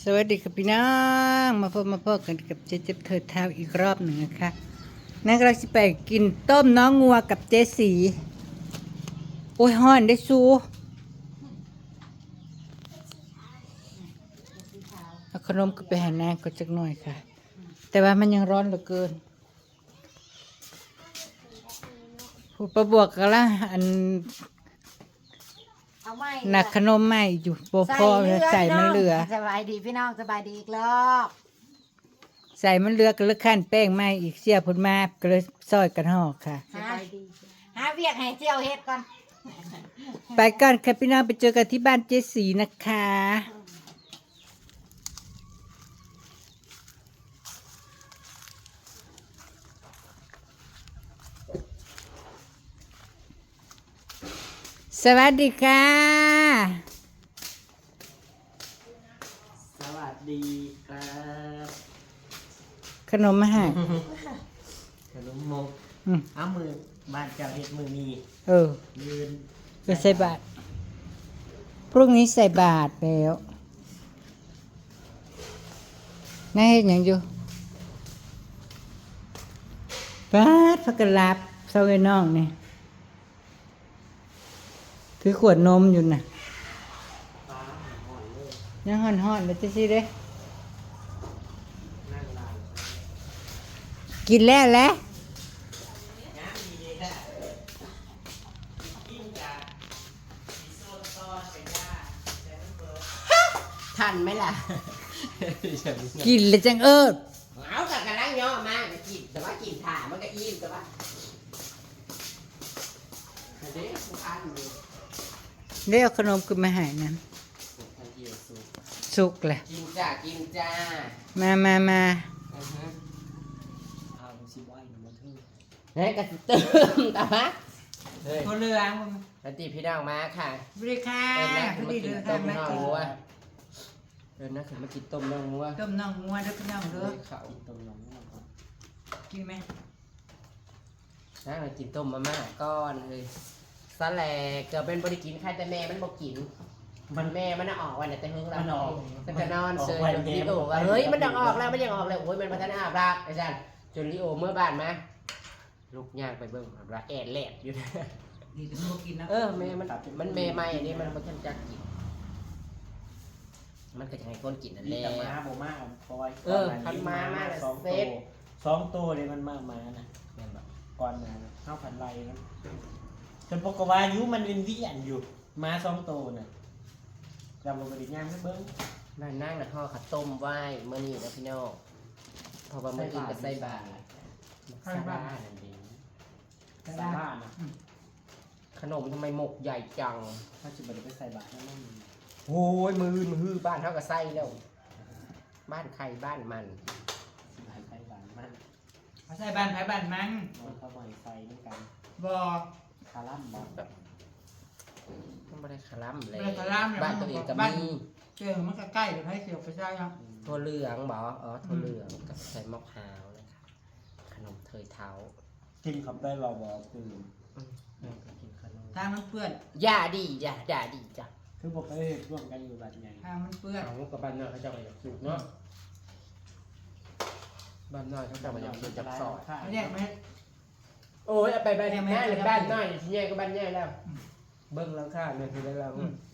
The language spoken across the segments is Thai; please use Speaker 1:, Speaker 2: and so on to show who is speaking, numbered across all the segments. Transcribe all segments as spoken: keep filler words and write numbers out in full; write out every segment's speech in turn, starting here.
Speaker 1: สวัสดีครับพี่น้องมาพบมาพบกันกับเจ๊เจ็บเถิดเท้าอีกรอบหนึ่งนะคะนั่นเราจะไปกินต้มน้องงัวกับเจ๊สีโอ้ยห้อนได้ซูเอาขนมก็ไปหานางก็จักหน่อยค่ะแต่ว่ามันยังร้อนเหลือเกินผู้ประบวกกันละอันหนักขนมใหม่อยู่โปพ่อใส่มันเหลือ
Speaker 2: สบายดีพี่น้องสบายดีอีกรอบ
Speaker 1: ใส่มันเหลือก็เลยขั้นแป้งใหม่อีกเสียพุ่นมาก็เลยซอยกันห่อค่ะ
Speaker 2: หาหาเวียกให้เจียวเฮ็ดก่อน
Speaker 1: ไปก่อนค่ะพี่น้องไปเจอกันที่บ้านเจสีนะคะสวัสดีค่ะ
Speaker 3: สวัสดีครับ
Speaker 1: ขนมมาให้
Speaker 3: ขนมมกเอามือบ้านเจ้าเฮ็ดมือมี
Speaker 1: เออ
Speaker 3: ยืน
Speaker 1: ไปใส่บาตรพรุ่งนี้ใส่บาตรแล้วน่าเห็นอย่างอยู่บาตรพักกะลาบเศร้าไอ้น้องนี่ถือขวดนมอยู่น่ะยังห่อนๆเลยจะสิเด้กินแล้วแหละ
Speaker 3: ทันไหมล่ะ
Speaker 1: กินเลยจังเอิด
Speaker 3: เอาแต่กระลังย่อมากแต่กินแต่ว่ากินถ่ามันก็อิ่มแต่ว่าเด็กผู้อันอยู่
Speaker 1: ได้เอาขนมขึ้นมาให้นั้นสุกแหละ
Speaker 3: กินจ้ากินจ้า
Speaker 1: มามามา
Speaker 3: เอาสิบไว้หนูมาทึ่งเฮ้ยกระเติมแต่ว่าเฮ้ย
Speaker 1: คนเรือ
Speaker 3: ปฏิพี่น้องมาค่ะ
Speaker 1: บริค่ะ
Speaker 3: เดินนะขึ้นมากินต้มน้องงัวเดินนะขึ้นมากินต้มน้องงัว
Speaker 1: ต้มน้องงัวด้วยพี่น้องเด้อ
Speaker 3: เขาต้มน้องงัว
Speaker 1: กินไหม
Speaker 3: นะเรากินต้มมาม่าก้อนเลยสแลกเกิดเป็นบริกินใครแต่แม่มันบอกกินมันแม่มันออกวันแต่เพิ่งเราแต่จะนอนเซยจนลิโอว่าเฮ้ยมันยังออกแล้วมันยังออกเลยโอ้ยมันพัฒนาอาบรักอาจารย์จนลิโอเมื่อบ้านมาลูกย่างไปเบิ่งรักแอดแลดอยู่
Speaker 1: ดีถึงพวกกินนะ
Speaker 3: เออแม่มันมันแม่ใหม่อันนี้มันมันจักกินมันก็จะให้คนกินนั่นแหละ
Speaker 4: ม้าโบมาปอย
Speaker 3: เออพันม้ามาก
Speaker 4: สองโตสองโตเลยมันมากมานะแม่นแบบก่อนมาเข้าพันไรนะจนปกวายุมันเป็นวิญญาณอยู่ม้าสองโตน่ะจำลงไปดิย่างไม่เบิ้ง
Speaker 3: นั่นนั่งนะห่อข้าวต้มไหว้เมื่อนี้นะพี่น้องพอประมาณนี้ก็ใส่บาตรซาบ้านั่นเอง
Speaker 4: ซาบ้านะ
Speaker 3: ขนมทำไมหมกใหญ่จัง
Speaker 4: ถ้าจะไปไปใส่บาตรนั่นนั่น
Speaker 3: โอ้ยมือมือบ้านเท่ากับไส้แล้วบ้านใครบ้านมัน
Speaker 4: ใส่ใส่บาตรมัน
Speaker 1: เขาใส่บ้านไผ่บ้านมัน
Speaker 4: เขาบ่อยใส่เหมือนกัน
Speaker 1: บ่
Speaker 4: คาร่ำบ่
Speaker 3: แบบต้องไม่ได้คาร่ำเลย
Speaker 1: บ้
Speaker 3: านตัวเองก็มี
Speaker 1: เจอมันก็ใกล้เลยให้เสียวไปใช่ยัง
Speaker 3: ถั่วเหลืองบ่อ๋อถั่วเหลืองกับใส่มะพร้าวนะคะขนมเทยเท้า
Speaker 4: กินคำได้เราบอกคือ
Speaker 3: กินขนม
Speaker 1: ทางมันเปื้อน
Speaker 3: ยาดีจ้ะยาดีจ้ะ
Speaker 4: คือบอกเอ้ร่วมกันอยู่แบบไง
Speaker 1: ทางมันเปื้อน
Speaker 3: เอากับบ้านนอกเขาจะไปอยากสูบเนาะบ้านนอกเขาจะไปอยากสูบจับซอย
Speaker 1: เขาแยกไหม
Speaker 3: โอ้ยไปไปทำงานหรือบ้านน้อยที่ใหญ่ก็บ้านใหญ่แล้วเบิ้งแล้วค่ะเนี่ยคือแล้ว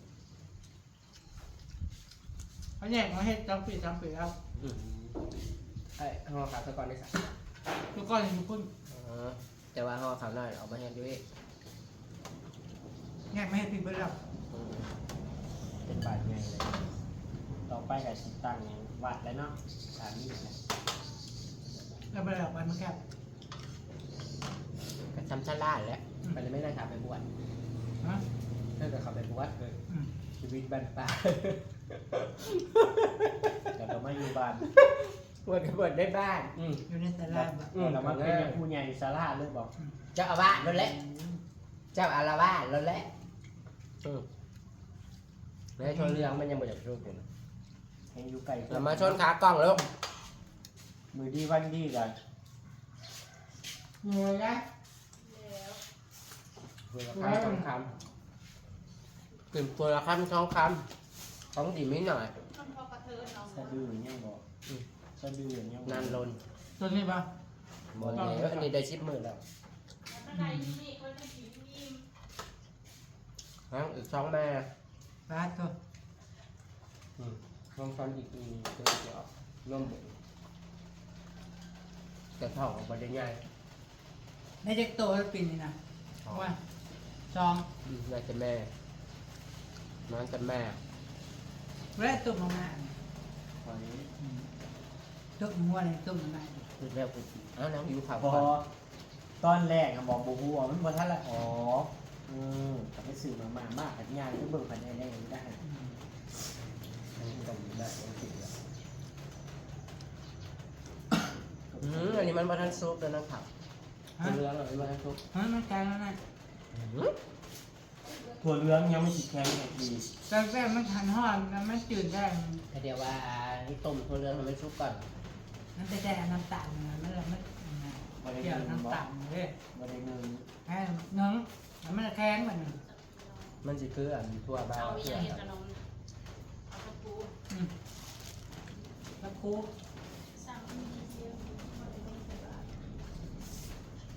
Speaker 1: เขาแยกมาให้จำปีจำปีแล้ว
Speaker 3: ไอ้ห่อขาวตะกอนได้สัก
Speaker 1: ทุกก้อนอยู่พุ่น
Speaker 3: แต่ว่าห่อขาวน้อยเอามาให้ด้วย
Speaker 1: แยกไม่ให้ปีเบิ้ลแล้ว
Speaker 4: เป็นบาทไงเลยต่อไปกับชิตังวัดแล้วเนาะสามีนะ
Speaker 1: แล้วไปแล้ววันมันแคบ
Speaker 3: กับช้ำชาล่าแล้วไปเลยไม่ได้ขับไปบวช
Speaker 1: ฮะ
Speaker 3: เลิกกับขับไปบวชเลยชีวิตบ้านป่า
Speaker 4: แต่เราไม่อยู่บ้าน
Speaker 3: บวชกับบวชได้บ้าน
Speaker 1: อยู่ในศาลา
Speaker 4: เรามาเป็นผู้ใหญ่ศาลาเลยบอก
Speaker 3: เจ้าอาวาสนั่นแหละเจ้าอาวาสนั่นแหละแล้วชนเรื่องมันยังไม่อยากรู้อยู่นะ
Speaker 4: ยังอยู่ไกล
Speaker 3: เรามาชนขากล้องแล้ว
Speaker 4: มือดีวันดีกัน
Speaker 1: เหนื่อยนะ
Speaker 3: ตัวละคำสองคำกลิ่นตัวละคำสองคำของดีไม่หน่อย
Speaker 2: พอกระเท
Speaker 4: สะดือยังบอกสะดือยัง
Speaker 3: นานลน
Speaker 1: ตัวนี้ปะ
Speaker 3: บ่เลยอันนี้ได้ชิปมือแล้วฮะอีกสองแม่
Speaker 1: ปลาตัว
Speaker 3: อืมลองฟันอีกอีกตัวเดียวร่วมบุญจะท่องออกมาได้ง่าย
Speaker 1: ในเด็กโตแล้วปีนี้นะว่าสอง
Speaker 3: อืมน่าจะแม่น้องจะแม่
Speaker 1: แรกตุ้มลงมา
Speaker 4: ตอนนี้
Speaker 1: ตุ้มหัวเลยตุ้มลงมา
Speaker 3: คือแล้วกูสิอ้าวน้องอยู่ข่าว
Speaker 4: พอ
Speaker 3: ก่อน
Speaker 4: ตอนแรกอะบอกบูบูมันบ่ทันละอ๋ออืมกับไปสื่อมามามากกับงานก็เบิ่งภายในได้ได้
Speaker 3: อันนี้ก็มีมากยังติดแล้วอืมอันนี้มันมาทันซุปแล้วนะครับ
Speaker 1: ฮะ
Speaker 3: เรื่องอะไรมาทันซุป
Speaker 1: ฮะมันแกงแล้วนะ
Speaker 3: อืม
Speaker 4: ถั่วเหลืองยังไม่ติดแข็งเลยดี
Speaker 1: แรกๆมันหันห่อนแล้วมันจืดได้
Speaker 3: แต่เดี๋ยวว่านี่ต้มตัวเรื่องมันไม่ซุปก่อน
Speaker 1: มันจะได้น้ำตาลนะมันละมันเกี่ยวน้ำตาลเลย
Speaker 4: บ่ได้เงิน
Speaker 1: แค่น้องแล้วมันแข็งเหมือน
Speaker 3: มันจะคืออันทั่วบ้าน
Speaker 5: เอาอ
Speaker 3: เพื่
Speaker 5: ย่า
Speaker 3: อง
Speaker 5: เห็นขนมเอาตะปู
Speaker 1: แล้วคู
Speaker 5: สั่งมีเชียวมาเลยไม่ใส่บาตร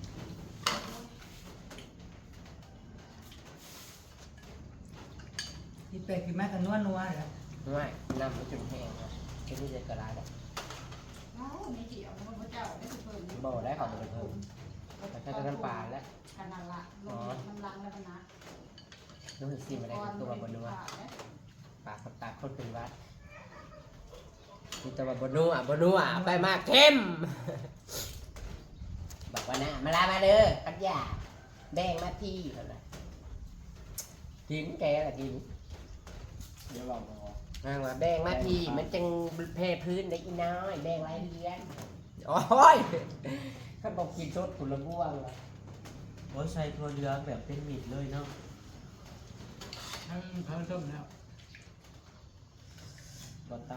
Speaker 1: ที่เป็ดกินแม่กันนัวนัวเหรอ
Speaker 3: ไม่น้ำมันจนแห้งครับแค่นี้จะกระไรได้
Speaker 5: เอ้าไม่เกี่ยวมันพระเจ้าได้สุเพิ่ม
Speaker 3: บ่ได้ของมันเพิ่มแต่แค่น้ำปลาแล้ว
Speaker 5: ขนาดละลงน้ำล้างแล้วนะ
Speaker 3: รู้สึกซีมาได้ตัวบนนัวปลากับตาคนเป็นวัดมีตัวบนนัวบนนัวไปมากเข้มบอกว่านะมาลามาเด้อปัญญาแบ่งมาที่เท่านั้นกินแกละกิน
Speaker 4: เดี๋ยวลองรอ
Speaker 3: มาว่าแบ่งมาที่มันจังเพพื้นได้อีน้อยแบ่งรายเดือนโอ้ยเขาบอกกินสดผุละบ้วงละ
Speaker 4: โอ้ยใส่ถั่วเหลืองแบบเป็นมิดเลยเนาะ
Speaker 1: ทั้งเขาต้มแล้ว
Speaker 4: บ่ต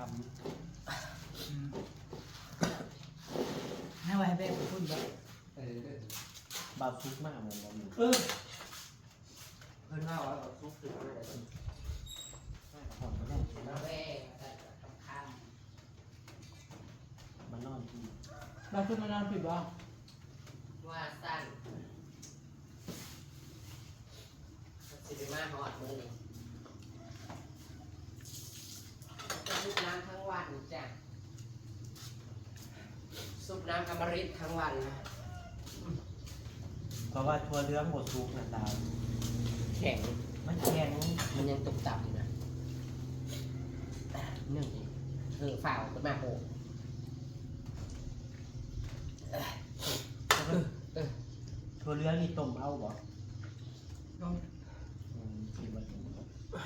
Speaker 1: ให้ไว้ให้แม่พูดแบบ
Speaker 3: เออ
Speaker 4: ำบาซุกมากเหมือนบ่มี
Speaker 1: เออ
Speaker 3: เพิ่นว่าว่าเราซุปถึงอะไร
Speaker 4: หอมไม่ได้
Speaker 3: มาแบ่งแต่คำ
Speaker 4: มันนอนที่
Speaker 1: เราขึ้นมานอนผิดบ่
Speaker 3: ว่าสั้นสิบมาหอดมือนี่จะซุปน้ำทั้งวันจ้ะซุปน้ำอมฤตทั้งวันนะ
Speaker 4: เพราะว่าถั่วเหลืองบดซุกนะดาว
Speaker 3: แข็ง
Speaker 4: มันแข็ง
Speaker 3: มันยังตุกตับอยู่นะนึ่งอีกเออฝ่าวขึ้นมาโอ้เออเออ
Speaker 4: ถั่วเหลืองนี่ต้มเอาบ่
Speaker 1: ต้อง
Speaker 4: อืมกินบ่ถึงบ่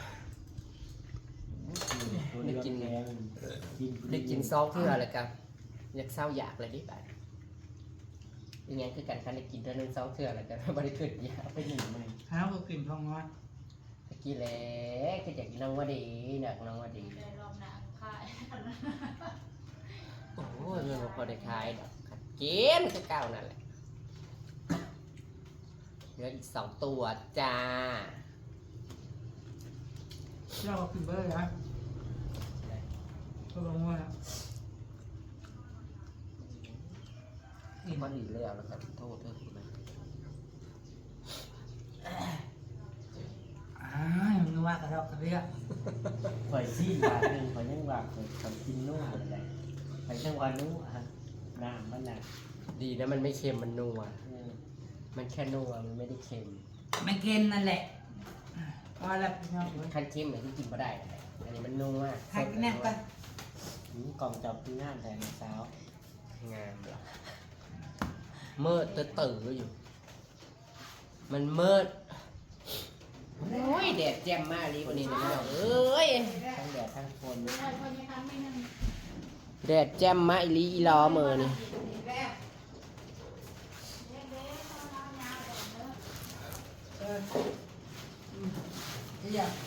Speaker 4: ถั่วเหลืองแข็งกิน
Speaker 3: ได้กินซองเพื่ออะไรกันอยากเศร้าอยากเลยดิบ่ายยังไงคือกันคันได้กินเท่านึงซองเพื่ออะไรกันบริขึ้นอยาก
Speaker 4: ไปหนึ่งไหม
Speaker 1: หาก็กินทองน้อย
Speaker 3: ตะกี้แหละก็อยากกินน้องว่าดีอยากน้องว่าดี
Speaker 5: ได้รอบหน้าค่าย
Speaker 3: โอ้ยเงินบ่พอได้ขายดอกกินคือเก่านั่นแหละเหลืออีกสองตัวจ้า
Speaker 1: เราก็กินเบอร์นะก็ลงว่า
Speaker 3: ที่มันดีแล้วแล้วกันโทษเธอคุณนะ
Speaker 1: อ่ามันนัวกระดอกกระเรียก
Speaker 4: ข่อยซีบาทหนึ่งข่อยยังว่าข่อยข่อยกินนู่นอะไรข่อยจังว่านู่นฮะน้ำมันน่ะ
Speaker 3: ดีนะมันไม่เค็มมันนัว
Speaker 4: เออ
Speaker 3: มันแค่นัวมันไม่ได้เค็ม
Speaker 1: มันเค็มนั่นแหละพอแล้วพี่น้อง
Speaker 3: คันเค็มเหมือนที่กินมาได้นั่นแหละอันนี้มันนัว
Speaker 1: หักแน่กัน
Speaker 4: อืมกล่องจับที่งานแต่ในเช้าง
Speaker 3: ามเหรอเมื่อตื่นตื่นอยู่ มันเมื่อโอ้ยแดดแจ่มมากเลยวันนี้นะพี่น้องเอ้ย
Speaker 4: ทั้งแดดทั้งฝน
Speaker 5: ไม่ใช่พอยังทำไม่นั่น
Speaker 3: แดดแจ่มมากอีหลีอีหลอมือนี่
Speaker 1: เออที่อยาก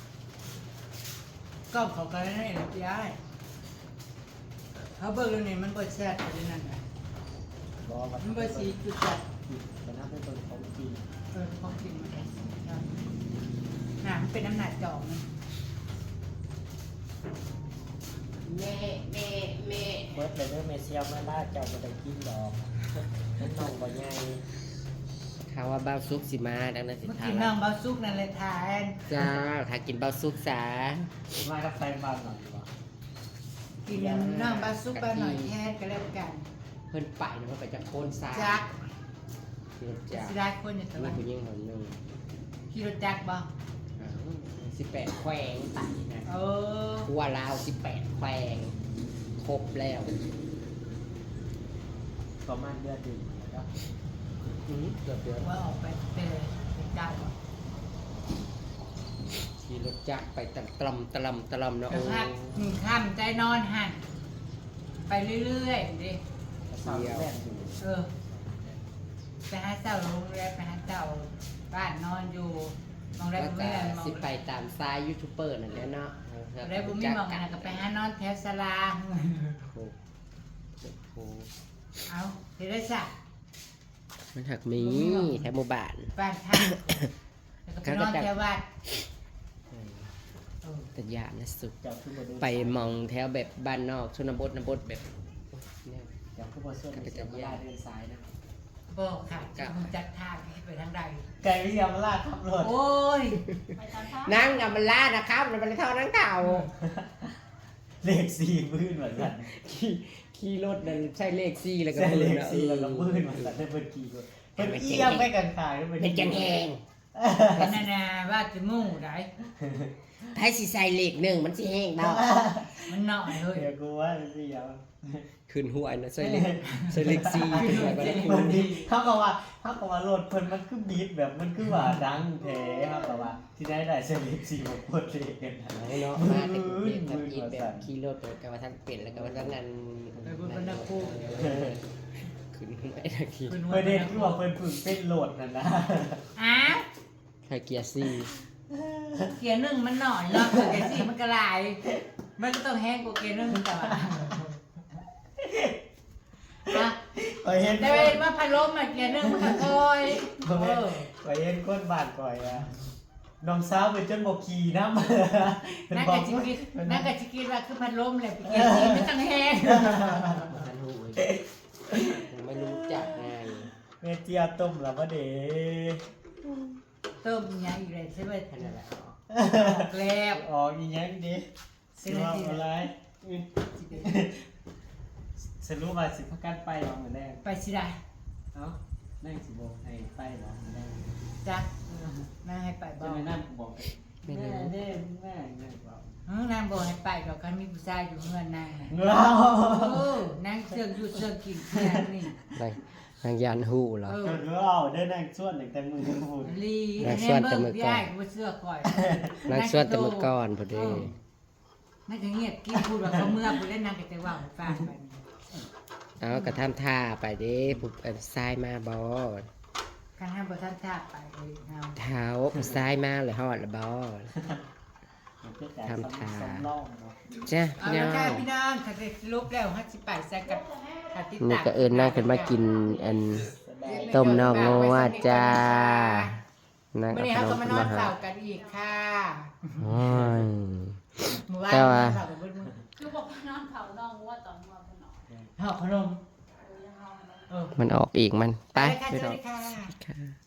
Speaker 1: ก็เขากันให้หน่อยพี่ไอ้เขาเบิกเรื่องนี้มันเปิดแชทไปนั่นไง
Speaker 4: รอวั
Speaker 1: มันเปิดสีจุดจัด
Speaker 4: มันน่าเป็นตัวของจริง
Speaker 1: เออของจริงมันเป็นหนามันเป็นน้ำหนักจอกมัน
Speaker 3: แม่แม่แม่
Speaker 4: เบิร์ดเลยเด้อเมเซียวมาลาเจ้าบ่ได้กินดอกนั่นน้องบ่ใหญ่
Speaker 3: ข่าวว่าบ้าวซุกสิมาดังนั้นสิ
Speaker 1: เมื่อ
Speaker 3: ทา
Speaker 1: กี้
Speaker 3: น
Speaker 1: น้องเบาซุกนั่นเลยทาน
Speaker 3: จ้าถ้ากินบ้าวซุกสา
Speaker 4: มากับแฟนบ้านหน่อยบ่
Speaker 1: กินน้องเบาซุกไปหน่อยแทนก็แล้วกัน
Speaker 3: เพิ่นไปนะเพิ่นไปจากโคนสา
Speaker 1: จัก
Speaker 3: ขี่รถจักร
Speaker 1: สิได้คนอยู่ต
Speaker 3: มี
Speaker 1: ลาด
Speaker 3: ผู้หญิงคนหนึง
Speaker 1: ขี่รถจักรบ่
Speaker 3: สิบแปดแขวงไต่นะ
Speaker 1: เออ
Speaker 3: ทั่วลาวสิบแปดแขวงครบแล้ว
Speaker 4: ประมาณเดือนหนึงแล้ว
Speaker 3: อือเกือบเดือน
Speaker 1: ว่าออกไปเตะเป็นจักรบ่
Speaker 3: ขี่รถจักรไปตะตลำตะลำตะลำเนาะ
Speaker 1: แต่
Speaker 3: โอ้
Speaker 1: พักหนึ่งค่ำใจนอนหันไปเรื่อยๆดิ
Speaker 4: สาวแม่นอยู่
Speaker 1: เออไปหาเจ้าโรงแรมไปหาเจ้าบ้านนอนอยู่มองได้
Speaker 3: แล้ว
Speaker 1: บุ้
Speaker 3: ก็
Speaker 1: มีมอง
Speaker 3: สิไปตามซ้ายยูทูบเบอร์นั่นแหละเนาะ
Speaker 1: ได้บุ้มีมองกันก็ไปหานอนแถวสลา
Speaker 3: โอ้โห
Speaker 1: เอาเดี๋ยวได้สัก
Speaker 3: มันหักมีแถวหมู่บ้าน
Speaker 1: บ้านท่านแล้วก็ไปนอนแถววัดเออ
Speaker 3: แต่ยานนะสุด
Speaker 4: เจ้าคือบ่ได้
Speaker 3: ไปมองแถวแบบบ้านนอกชนบทนบทแบบเนี่ย
Speaker 4: เจ้าคือบ่ส่วนเมเซียวมาลาเดินสายนะ
Speaker 1: บอกค่ะจะคงจัดทางให้ไปทางใด
Speaker 4: ไก่เมเซียวมาลาขับรถ
Speaker 1: โอ้ย
Speaker 5: ไปตามทาง
Speaker 3: นั่งกับมันล่านะครับมันเป็นเท่านั่งเต่า
Speaker 4: เลขสี่พื้นเหมือนกัน
Speaker 3: ขี่ขี่รถนั่นใช่เลขซี่แล้วก็
Speaker 4: ใช่เล
Speaker 3: น
Speaker 4: ข
Speaker 3: นะ
Speaker 4: สี่แล้วก็พื้นเหมือนกันได้เพิ่นกี่คนเพิ่นเอี้ยมไปกันขายแล้ว
Speaker 3: เป็นจังแหง
Speaker 1: เป็นนานาว่าจะมู่ได้
Speaker 3: ถ้าสิใส่เลขหนึ่งมันสิแห้งเนาะ
Speaker 1: มันหน่อยเลย
Speaker 4: เดี๋ยวกูว่าเสียว
Speaker 3: ขึ้นหัวนะใส่เลขใส่เลขซี่ขึ้นหัวก็ได้
Speaker 4: มันดีเขาก็ว่าเขาก็ว่ารถเพิ่นมันคือบีทแบบมันคือว่าดังแท้เขาก็ว่าที่ได้ได้เซเลบสี่มาปวดเลขกันนะ
Speaker 3: เนาะมาแต่กรุงเทพทำอีกแบบขี่รถไปกับว่าท่านเปลี่ยนแล้วก็ว่าท่านนั้น
Speaker 1: ไปบนบรรณคู
Speaker 3: ขึ้นไม่ได้ขี่
Speaker 1: ขึ้นหัว
Speaker 4: ประเด็นคือว่าเพิ่นฝึกเป็นโหลดนั่นนะ
Speaker 1: อ้าว
Speaker 3: ใครเกียร์ซี่
Speaker 1: เกียร์หนึ่งมันหน่อยเนาะเกียร์สี่มันกระลาย มันก็ต้องแห้งกว่าเกียร์หนึ่งแต่ว่าอ่ะ
Speaker 4: ไปเห็น
Speaker 1: แต่เวลาพัดลมมาเกียร์หนึ่งมันก็คอยเออ
Speaker 4: ไปเห็นคนบ้านก่อยอ่ะน้องสาวเป็นจนบ่ขี่นำ
Speaker 1: นั่นก็ชิคิดนั่นก็ชิคิดว่าคือพัดลมเลยเกียร์สี่มันต้องแห้ง
Speaker 3: มาทันหูยังไม่รู้จักไง
Speaker 4: แม่เจียต้มแล้วบ่เด้
Speaker 1: ต้มยังอีกเลยใช่ไหม
Speaker 3: ท่านนั่นแหละ
Speaker 1: แล้ว
Speaker 4: ออกอีหยังดิสิว่าอะไรสรุปว่าสิพากันไปบ่มื้อแรก
Speaker 1: ไปสิได้
Speaker 4: เอ้านั่งสิบ่ให้ไปบ่มื้อแรก
Speaker 1: จ้ะนั่งให้ไปบ
Speaker 4: จะ
Speaker 1: อก
Speaker 4: ไม่นั่งบอกแม่เด้แม่แม่บอก
Speaker 1: อืมนางบอกให้ไปดอกคันมีผู้ชายอยู่เงินนาง
Speaker 4: เรา
Speaker 1: โอ้นางเสื่องอยู่เสื่องกินแค่นี้
Speaker 3: นางนางยานหูเหรอ
Speaker 1: เออ
Speaker 4: จนเราได้นั่งส่วนหนึ่งแต่มือพูด
Speaker 1: ลี
Speaker 3: นาง
Speaker 1: แน่
Speaker 3: ส่วน
Speaker 1: เบิ่
Speaker 3: แต่
Speaker 1: ง
Speaker 3: มื้อ
Speaker 1: พี่
Speaker 3: ก่อน
Speaker 1: อ้ายกูบ่เสื้อก่อย
Speaker 3: นางสวดแต่เมื่อก่อนพอดี
Speaker 1: นั่นก็เงียบกินพูดว่าเขาเมื่อกูเล่นนางก็จะว่าให้ฟังไป
Speaker 3: เอากระทำท่าไปเด้ผู้เอ่อซ้ายมาบอ
Speaker 1: คันห้ามบ่ทันทาบไปเลยเฮา
Speaker 3: เท้าผู้ซ้ายมาเลยฮอดละบอ ทำทา
Speaker 4: สำรองเนาะ
Speaker 3: จ้ะ
Speaker 1: เอา
Speaker 3: พี่น้
Speaker 1: ละ
Speaker 3: อง
Speaker 1: ค่ะพี่น้องถ้าได้สรุปแล้วฮัสิไปใส่กับถ้าติด
Speaker 3: นี่
Speaker 1: ตาม
Speaker 3: ก็เอิญนั่งขึ้นมากินอัน ต้มน่องงัวจ้านั่ง
Speaker 1: วัน
Speaker 3: เอา
Speaker 1: นี้
Speaker 3: ข
Speaker 1: เขา
Speaker 3: น
Speaker 1: ก็
Speaker 3: ม
Speaker 1: มา
Speaker 3: ขึ้น
Speaker 1: นอน
Speaker 3: มาหา
Speaker 1: เฝ้ากันอีกค่ะ
Speaker 3: โอ้ย
Speaker 1: เมื่อวาน
Speaker 3: แต่ว่า
Speaker 1: เฝ้ากันเบิดมื้อ
Speaker 5: คือบอกว่านอนเผาน้องว่าตอนว่าคนนอน
Speaker 1: หอบขนม
Speaker 5: เออยังเอาเนาะ
Speaker 1: เออ
Speaker 3: มันออกอีกมัน ไป
Speaker 1: ไปค่ะ
Speaker 3: พี่
Speaker 1: ส
Speaker 3: น้
Speaker 1: วั
Speaker 3: อ
Speaker 1: ส
Speaker 3: ง
Speaker 1: ดีค่ะ
Speaker 3: ค่ะ